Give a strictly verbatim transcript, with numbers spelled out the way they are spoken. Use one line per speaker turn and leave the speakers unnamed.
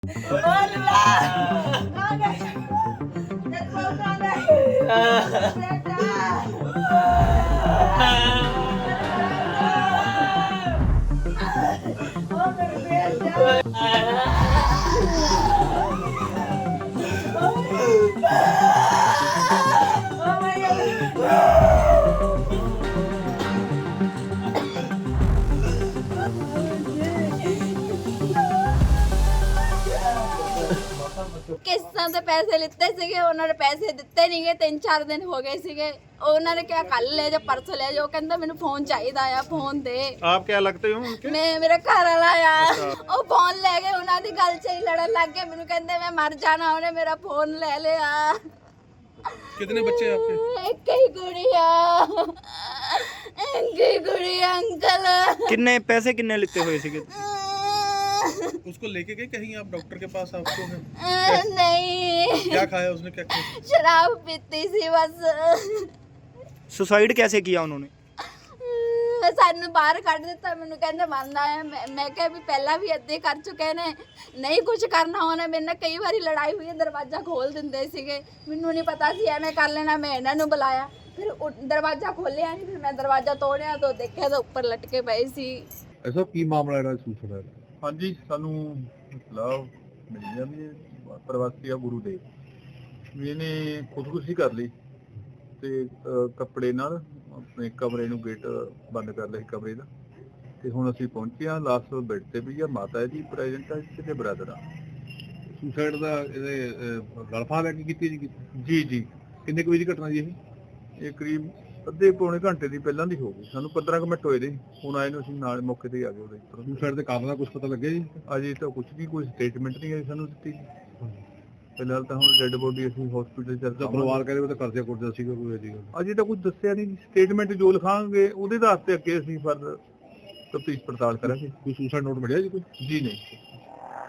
ਕਿਸ਼ਤਾਂ ਤੇ ਪੈਸੇ ਲਿੱਤੇ ਸੀਗੇ, ਉਹਨਾਂ ਨੇ ਪੈਸੇ ਦਿੱਤੇ ਨਹੀਂਗੇ। ਤਿੰਨ ਚਾਰ ਦਿਨ ਹੋ ਗਏ ਸੀਗੇ। ਉਹਨਾਂ ਨੇ ਕਿਹਾ ਕੱਲ ਲੈ ਜਾ, ਪਰਸੋਂ ਲੈ ਜਾ। ਉਹ ਕਹਿੰਦਾ ਮੈਨੂੰ ਫੋਨ ਚਾਹੀਦਾ ਆ, ਫੋਨ ਦੇ।
आप क्या लगते हो उनके?
ਮੈਂ ਮੇਰਾ ਘਰ ਵਾਲਾ ਆ, ਉਹ ਫੋਨ ਲੈ ਕੇ ਉਹਨਾਂ ਦੀ ਗੱਲ 'ਚ ਹੀ ਲੜਨ ਲੱਗ ਗਏ। ਮੈਨੂੰ ਕਹਿੰਦੇ ਮੈਂ ਮਰ ਜਾਣਾ, ਉਹਨੇ ਮੇਰਾ ਫੋਨ ਲੈ ਲਿਆ।
कितने बच्चे हैं आपके?
ਇੱਕ ਹੀ ਕੁੜੀ ਆ, ਇੱਕ ਹੀ ਕੁੜੀ ਆ ਅੰਕਲ।
किन्ने पैसे किन्ने लिते हुए सीगे?
उसको लेके गए कहीं आप डॉक्टर के पास? आपको है?
नहीं,
क्या खाया उसने, क्या खाया?
शराब पीती सी बस।
सुसाइड कैसे किया उन्होंने?
ਸਾਨੂੰ ਬਾਹਰ ਕੱਢ ਦਿੱਤਾ। ਮੈਨੂੰ ਕਹਿੰਦੇ ਮੰਨਦਾ ਹੈ। ਮੈਂ ਮੈਂ ਕਿਹਾ ਵੀ ਪਹਿਲਾਂ ਵੀ ਏਦਾਂ ਹੀ ਕਰ ਚੁੱਕੇ ਨੇ, ਨਹੀਂ ਕੁਝ ਕਰਨਾ ਉਹਨੇ। ਮੇਰੇ ਨਾਲ ਕਈ ਵਾਰੀ ਲੜਾਈ ਹੋਈ ਹੈ, ਦਰਵਾਜ਼ਾ ਖੋਲ ਦਿੰਦੇ ਸੀਗੇ। ਮੈਨੂੰ ਨਹੀਂ ਪਤਾ ਸੀ ਐਵੇਂ ਕਰ ਲੈਣਾ। ਮੈਂ ਇਹਨਾਂ ਨੂੰ ਬੁਲਾਇਆ, ਫਿਰ ਉਹ ਦਰਵਾਜ਼ਾ ਖੋਲਿਆ ਨਹੀਂ। ਫਿਰ ਮੈਂ ਦਰਵਾਜ਼ਾ ਤੋੜਿਆ ਤਾਂ ਦੇਖਿਆ ਤਾਂ ਉੱਪਰ ਲਟਕੇ ਪਏ ਸੀ।
ਐਸਾ ਕੀ ਮਾਮਲਾ ਜਿਹੜਾ ਸੂਚਨਾ ਹੈ?
ਹਾਂਜੀ, ਸਾਨੂੰ ਇਤਲਾਹ ਮਿਲੀ ਆ ਵੀ ਇਹ ਪ੍ਰਵਾਸੀ ਆ ਗੁਰੂ ਦੇ ਵੀ ਇਹਨੇ ਖੁਦਕੁਸ਼ੀ ਕਰ ਲਈ ਤੇ ਅਹ, ਕੱਪੜੇ ਨਾਲ ਆਪਣੇ ਕਮਰੇ ਨੂੰ ਗੇਟ ਬੰਦ ਕਰ ਲਿਆ ਸੀ ਕਮਰੇ ਦਾ। ਤੇ ਹੁਣ ਅਸੀਂ ਪਹੁੰਚੇ ਹਾਂ, ਲਾਸਟ ਬੈੱਡ ਤੇ ਵੀ ਆ, ਮਾਤਾ ਜੀ ਪ੍ਰੈਜ਼ੈਂਟ ਆ, ਤੇ ਬ੍ਰਦਰ ਆ।
ਸੁਸਾਈਡ ਦਾ ਇਹਦੇ ਗਲਫਾ ਲੈ ਕੇ ਕੀਤੀ ਜੀ?
ਜੀ ਜੀ
ਕਿੰਨੇ ਕੁ ਵਜੇ ਦੀ ਘਟਨਾ ਜੀ ਇਹ?
ਇਹ ਕਰੀਬ ਅੱਧੇ ਪੌਣੇ ਘੰਟੇ ਦੀ ਪਹਿਲਾਂ ਦੀ ਹੋ ਗਈ। ਸਾਨੂੰ ਪੰਦਰਾਂ ਕੁ ਮਿੰਟ ਹੋਏ ਦੇ, ਹੁਣ ਆਏ ਨੂੰ ਅਸੀਂ ਨਾਲ ਮੌਕੇ ਤੇ ਹੀ ਆ ਗਏ ਉਹਦੇ।
ਸੁਸਾਈਡ ਦੇ ਕਾਰਨ ਦਾ ਕੁਝ ਪਤਾ ਲੱਗਿਆ ਜੀ?
ਅਜੇ ਤਾਂ ਕੁਝ ਨਹੀਂ, ਕੋਈ ਸਟੇਟਮੈਂਟ ਨਹੀਂ ਆਈ ਸਾਨੂੰ ਦਿੱਤੀ। ਫਿਲਹਾਲ ਤਾਂ ਹੁਣ ਡੈੱਡ ਬੋਡੀ ਅਸੀਂ ਹਸਪੀਟਲ ਚ
ਤਾਂ
ਰਖਾਵਾਂਗੇ।
ਪਰਿਵਾਰ ਕਹਿੰਦੇ ਉਹ ਤਾਂ ਕਰਜ਼ਾ ਕੁਰਜ਼ਾ ਸੀਗਾ ਕੋਈ ਅਜੀ ਗੱਲ?
ਅਜੇ ਤਾਂ ਕੁਝ ਦੱਸਿਆ ਨਹੀਂ। ਸਟੇਟਮੈਂਟ ਜੋ ਲਿਖਾਂਗੇ ਉਹਦੇ ਆਧਾਰ ਤੇ ਅੱਗੇ ਅਸੀਂ ਫਰਦਰ ਤਫਤੀਸ਼ ਪੜਤਾਲ ਕਰਾਂਗੇ।
ਕੋਈ ਸੁਸਾਈਡ ਨੋਟ ਮਿਲਿਆ ਜੀ ਕੋਈ?
ਜੀ ਨਹੀਂ।